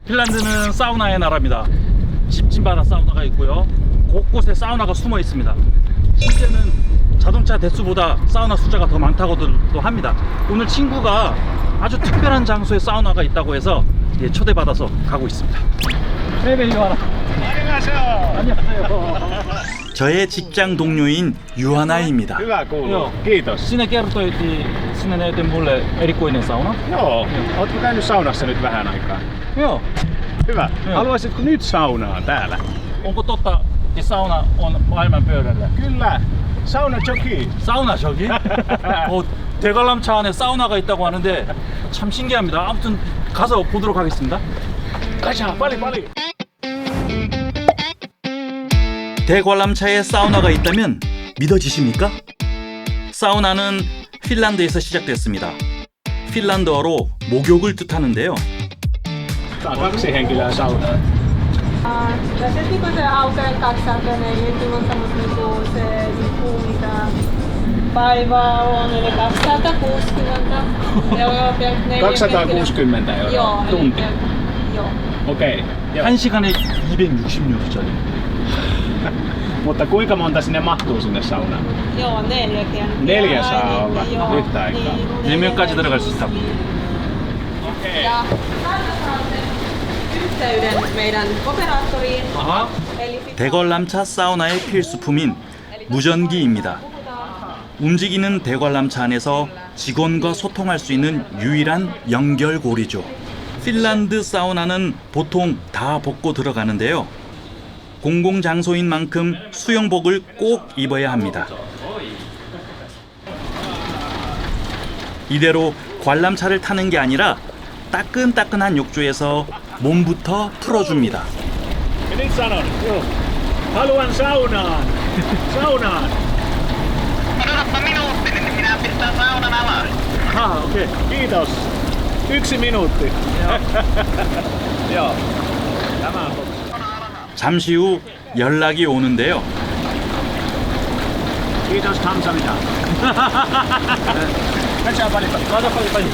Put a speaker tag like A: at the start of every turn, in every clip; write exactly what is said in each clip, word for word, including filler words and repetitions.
A: 핀란드는 사우나의 나라입니다. 집집마다 사우나가 있고요. 곳곳에 사우나가 숨어 있습니다. 실제는 자동차 대수보다 사우나 숫자가 더 많다고도 합니다. 오늘 친구가 아주 특별한 장소에 사우나가 있다고 해서 예, 초대받아서 가고 있습니다. 안녕하세요. 안녕하세요. 저의 직장 동료인 유하나입니다.
B: Hyvä kuuluu.
A: Joo.
B: Kiitos.
A: Sinä kertoit sinä näytit mulle erikoinen sauna.
B: Joo. Ootko käynyt saunassa nyt vähän aikaa?
A: Joo.
B: Hyvä.
A: Joo.
B: Haluaisitko nyt saunaa täällä?
A: Onko totta, että sauna on maailman pöydällä?
B: Kyllä. Sauna joki.
A: 사우나 저기? 어, 대관람차 안에 사우나가 있다고 하는데 참 신기합니다. 아무튼 가서 보도록 하겠습니다.
B: 가자. 빨리 빨리.
A: 대관람차에 사우나가 있다면 믿어지십니까? 사우나는 핀란드에서 시작됐습니다. 핀란드어로 목욕을 뜻하는데요.
B: Tää on kaksi henkilöä saunaa.
C: Ja se niinku se autojen kaksisääntöinen, niin kyllä on semmoista niinku se niinku mitä päivää on, eli kaksisataakuusikymmentä euroa per neljä
B: kaksisataakuusikymmentä euroa
C: Joo,
B: tunti.
C: eli, joo.
B: Okei. Joo.
A: 한 시간에 이백육십 유로짜리.
B: Mutta kuinka monta sinne mahtuu sinne saunaan?
C: Joo, neljäkin.
B: Neljä saa
C: Ja,
B: olla
C: joo,
B: yhtä aikaa.
C: Niin,
A: 네 명까지 들어갈 수 있다.
B: Okei.
C: Ja täältä saatte yhteyden meidän operaattoriin.
A: 아하.
C: Eli sit-
A: 대관람차 사우나의 필수품인 무전기입니다. 움직이는 대관람차 안에서 직원과 소통할 수 있는 유일한 연결고리죠. 핀란드 사우나는 보통 다 벗고 들어가는데요. 공공장소인 만큼 수영복을 꼭 입어야 합니다. 이대로 관람차를 타는 게 아니라 따끈따끈한 욕조에서 몸부터 풀어줍니다.
B: Ja nyt sanon. Joo. Haluan saunaan. Saunaan.
D: Odotapa minuutti, niin minä pistän saunan alas.
B: Aha, okei. Kiitos. Yksi minuutti. Joo. Tämä on totta.
A: 잠시 후 연락이 오는데요.
B: Kiitos 감사합니다. 가자 빨리 빨리.
A: 맞아, 빨리 빨리.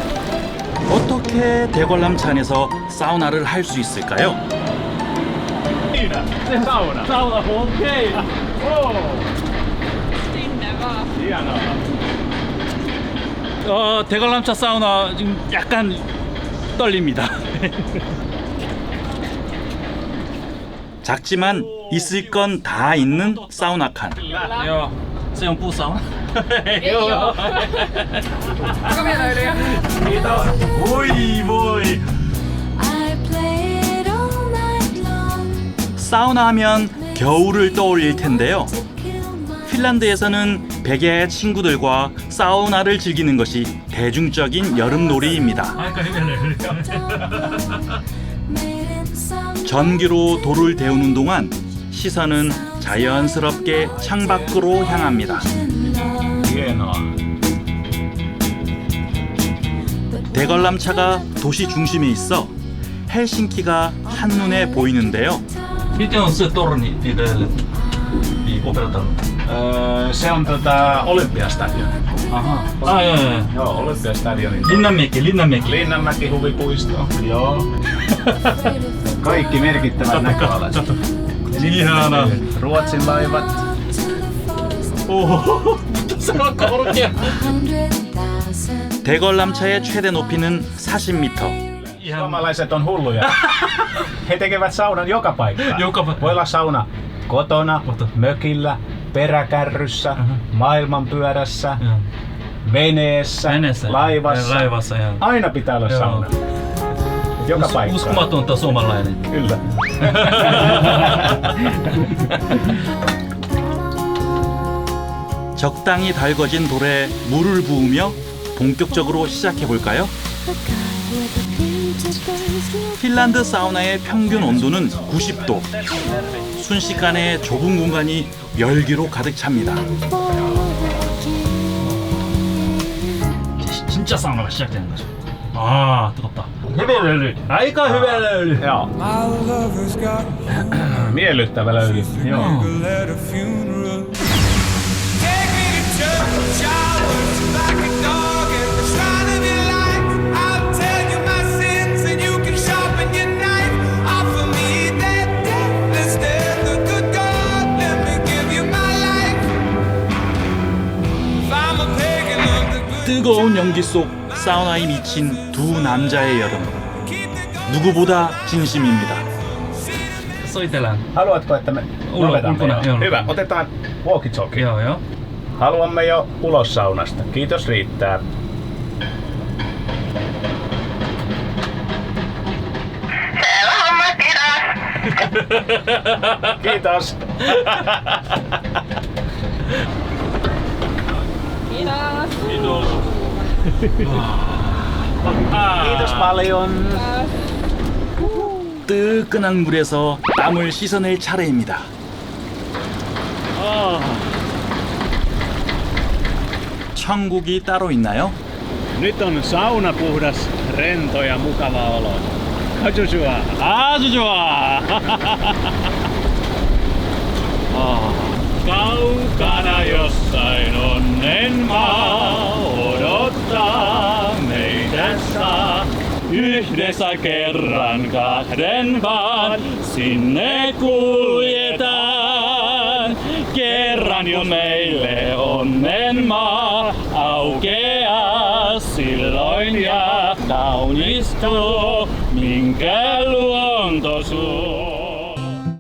A: 어떻게 대관람차 안에서 사우나를 할 수 있을까요?
B: Siinä. Sauna.
A: 사우나, 오케이.
B: Oo.
C: Sinne vaan.
B: Hienoa.
A: 어, 대관람차 사우나 지금 약간 떨립니다. 작지만 있을 건 다 있는 사우나 칸. 요, 세용 뿌 사우나. 요. 오이 보이. 사우나 하면 겨울을 떠올릴 텐데요. 핀란드에서는 백야의 친구들과 사우나를 즐기는 것이 대중적인 여름 놀이입니다. 전기로 돌을 데우는 동안 시선은 자연스럽게 창밖으로 향합니다.
B: Hienoa.
A: 대관람차가 도시 중심에 있어 헬싱키가 한눈에 보이는데요. Miten on se torni niille operatorille?
B: Öö, se on tota Olympiastadion.
A: Aha. Ah, joo, joo, joo.
B: Joo, Olympiastadionin.
A: Linnanmäki, Linnanmäki.
B: Linnanmäki huvipuisto. Joo. Kaikki merkittävät näköalat.
A: Ihana.
B: Ruotsin laivat.
A: 오, 생각보다 그렇게. 대관람차의 최대 높이는 사십 미터.
B: Suomalaiset on hulluja. He tekevät saunan joka paikkaan.
A: Joka pa-
B: Voi olla sauna kotona,
A: Kotona.
B: mökillä, peräkärryssä,
A: Aha.
B: maailmanpyörässä,
A: Joo.
B: veneessä,
A: Veneessä.
B: laivassa.
A: Laivassa, joo.
B: Aina pitää olla
A: Joo.
B: sauna. Joka
A: Us-
B: paikkaan.
A: uskomatonta suomalainen.
B: Kyllä.
A: 적당히 달궈진 돌에 물을 부으며 본격적으로 시작해 볼까요? 핀란드 사우나의 평균 온도는 구십 도. 순식간에 좁은 공간이 열기로 가득 찹니다. 진짜 사우나가 시작되는 거죠. 아, 뜨겁다. 헤벨렐리. 아이까 헤벨렐리.
B: Joo. Miellyttävä löyly. Joo.
E: Shine of your light, I'll tell you my sins and you can sharpen your knife.
A: 뜨거운 연기 속 사우나에 미친 두 남자의 여름. 누구보다 진심입니다. Soitellaan.
B: Haluatko, että me
A: Ulo-
B: lopetamme
A: ulkona,
B: jo?
A: joo.
B: Hyvä, otetaan walkie-talkie.
A: Joo, joo.
B: Haluamme jo ulos saunasta. Kiitos riittää.
D: Selvä homma, kiitos.
B: Kiitos.
C: Kiitos.
B: Kiitos paljon.
A: 뜨끈한 물에서 땀을 씻어낼 차례입니다. 아. 천국이 따로 있나요?
B: Nyt on sauna puhdas, rento ja mukava olo. 아주 좋아.
A: 아주 좋아. 아.
B: Kaukana jossain onnen maa odottaa meitä saa.
A: Yhdessä kerran kahden vaan sinne kuljetaan. Kerran jo meille onnen maa aukeaa silloin ja kaunistuu, minkä luonto suo.